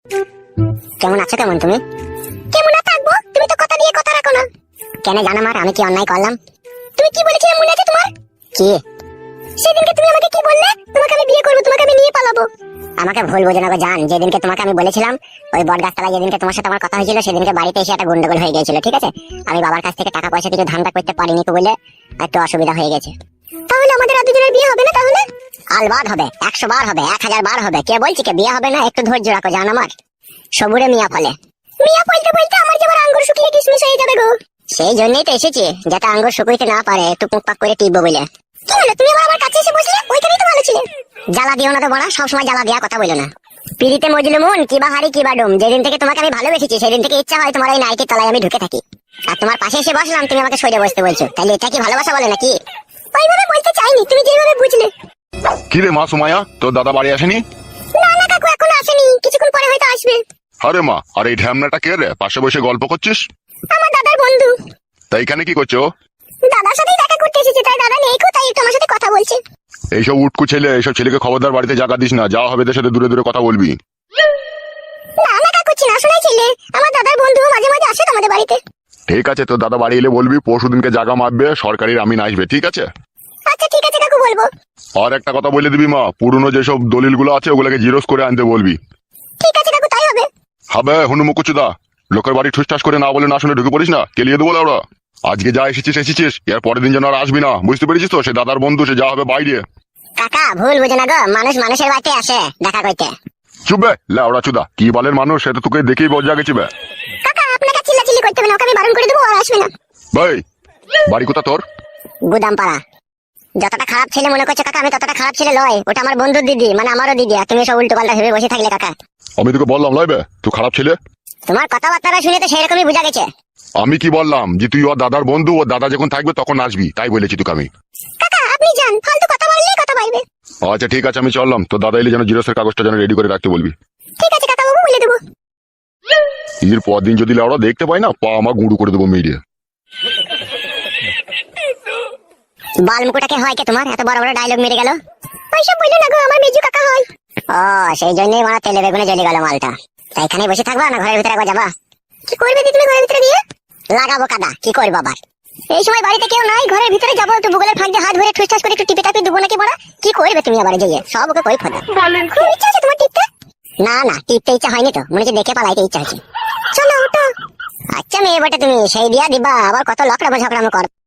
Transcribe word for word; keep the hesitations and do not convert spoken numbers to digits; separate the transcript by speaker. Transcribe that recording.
Speaker 1: কেমন আছো? কেমন তুমি? কেমন আর থাকবো, তুমি তো কথা দিয়ে কথা রাখো না। কেন জানো মার, আমি কি অন্যায় করলাম? তুমি কি বলেছিলে মনে আছে তোমার? কি? সেদিনকে তুমি আমাকে কি বললে? তোমাকে আমি বিয়ে করবো, তোমাকে আমি নিয়ে পালাবো। আমাকে ভুল বোঝো না গো জান, যেদিনকে তোমাকে আমি বলেছিলাম ওই বটগাছতলায় যেদিনকে তোমার সাথে আমার কথা হয়েছিল সেদিনকে বাড়িতে এসে একটা গন্ডগোল হয়ে গিয়েছিল, ঠিক আছে? আমি বাবার কাছ থেকে টাকা পয়সা কিছু ধান্দা করতে পারিনি তো বলে একটু অসুবিধা হয়ে গেছে। তাহলে আমাদের আর দুজনের বিয়ে হবে না? তাহলে আলবাদ হবে, একশো বার হবে, এক হাজার বার হবে। কে বলছি কে বিয়ে হবে না? একটু ধৈর্য রাখো জান আমার। সবুরে মিয়া ফলে, মিয়া ফলতে ফলতে আমার যেবার আঙ্গুর শুকিয়ে কিশমিশ হয়ে যাবে গো। সেই জন্যই তো এসেছি, যাতে আঙ্গুর শুকুইতে না পারে, একটু পুকপাক করে টিপবো বলে। কি হলো, তুমি আবার আমার কাছে এসে বসলে? ওইখানেই তো ভালো ছিলে। জ্বালা দিও না তো বড়া, সবসময় জ্বালা দেওয়া কথা বলো না। পিড়িতে মজলু মন কিবা হারি কিবা ডুম, যেদিন থেকে তোমাকে আমি ভালোবেসেছি সেদিন থেকে ইচ্ছা হয় তোমার এই নাইটির তলায় আমি ঢুকে থাকি। আর তোমার পাশে এসে বসলাম, তুমি আমাকে সরে বসতে বলছো, তাহলে এটা কি ভালোবাসা বলে নাকি? ওইভাবে বলতে চাইনি, তুমি যেভাবে বুঝলে।
Speaker 2: কি রে মা সুমাইয়া, তোর দাদা বাড়ি আসেনি?
Speaker 1: না না কাকু, এখনো আসেনি, কিছুক্ষণ পরে হয়তো আসবে।
Speaker 2: আরে মা, আর এই ঢ্যামনাটা কে রে, পাশে বসে গল্প করছিস?
Speaker 1: আমার দাদার বন্ধু।
Speaker 2: তাই এখানে কি করছো?
Speaker 1: দাদার সাথেই দেখা করতে এসেছে, তাই দাদা নেই কো, তাই একটু আমার সাথে কথা বলছে।
Speaker 2: এইসব উটকু ছেলে, এইসব ছেলেকে খবরদার বাড়িতে জায়গা দিস না, যা হবে এদের সাথে দূরে দূরে কথা বলবি।
Speaker 1: না না কাকু, চিনা শোনাই ছেলে, আমার দাদার বন্ধু, মাঝে মাঝে আসে তোমাদের বাড়িতে।
Speaker 2: ঠিক আছে, তোর দাদা বাড়ি এলে বলবি পরশু দিনকে জায়গা মাপবে, সরকারি আমিন আসবে, ঠিক আছে?
Speaker 1: আচ্ছা ঠিক আছে কাকু, বলবো।
Speaker 2: আর একটা কথা বলে দিবি মা, পুরনো যেসব দলিলগুলো আছে ওগুলোকে জিরোস করে আনতে বলবি।
Speaker 1: ঠিক আছে কাকু, তাই হবে।
Speaker 2: হবে হুনু মুকুচুদা, লোকের বাড়ি ঠুসঠাস করে না বলে না শুনে ঢুকে পড়িস না, কেলিয়ে দেবো ওরা। আজকে যা এসেছিস এসেছিস, এর পরের দিন যেন আর আসবি না, বুঝতে পেরেছিস তো? সে দাদার বন্ধু, সে যা হবে বাইরে।
Speaker 1: কাকা ভুল বুঝে না গো, মানুষ মানুষের বাড়িতে আসে দেখা করতে।
Speaker 2: চুপবে লেওড়া চুদা, কি বালের মানুষ, সেটা তোকে দেখেই বজ্জা গেছি বে।
Speaker 1: কাকা আপনাকে চিল্লাচিল্লি করতে হবে না, ওকে আমি বারণ করে দেবো, আর আসবে না।
Speaker 2: ভাই বাড়ি কোথা তোর?
Speaker 1: গুদামপাড়া। যতটা খারাপ ছেলে মনে করছো কাকা, আমি ততটা খারাপ ছেলে লয়। ওটা আমার বন্ধুর দিদি, মানে আমারও দিদি, আর তুমি সব উল্টো পাল্টা ভেবে বসে থাকলে কাকা।
Speaker 2: আমি তোকে বললাম লয়বে তুই খারাপ ছেলে?
Speaker 1: তোমার কথাবার্তা শুনে তো সেরকমই বোঝা গেছে।
Speaker 2: আমি কি বললাম যে তুই ওর দাদার বন্ধু, ওর দাদা যখন থাকবে তখন আসবি, তাই বলেছি তোকে আমি।
Speaker 1: কাকা আপনি যান, ফালতু কথা বললেই কথা বলবে।
Speaker 2: আচ্ছা ঠিক আছে, আমি চললাম, তোর দাদা এলে যেন জিরোসের কাগজটা যেন রেডি করে রাখতে বলবি।
Speaker 1: ঠিক আছে কাকা বাবু, বলে দেবো।
Speaker 2: এর পর দিন যদি লেওড়া দেখতে পাই না, পা আমার গুঁড়ো করে দেবো মেয়ে।
Speaker 1: বালমুকুটাকে হয় কে তোমার, এত বড় বড় ডায়লগ মেরে গেল? ওইসব বললো না গো, আমার মেজু কাকা হয়। ও সেই জন্যই মারা তেলে বেগুনে জ্বলে গেল মালটা। তাই এখানে বসে থাকবা না ঘরের ভিতরে একবার যাবা? কি করবে দি তুমি ঘরের ভিতরে গিয়ে? লাগাবো কাদা, কি করবো আবার? এই সময় বাড়িতে কেউ নাই, ঘরের ভিতরে যাবো, একটু ভূগোলের ফাঁক দিয়ে হাত ধরে ঠুসঠাস করে একটু টিপে টাপি দেবো নাকি বড়া? কি করবে তুমি আবার যেয়ে? সব ওকে কই ফোনা বলেন। খুব ইচ্ছা আছে তোমার টিপতে? না না, টিপতে ইচ্ছা হয়নি তো, মনে হচ্ছে দেখে পালাইতে ইচ্ছা হচ্ছে। চলো ওঠো। আচ্ছা মেয়ে বটে তুমি, সেই দিয়া দিবা, আবার কত লকড়া ঝগড়া কর।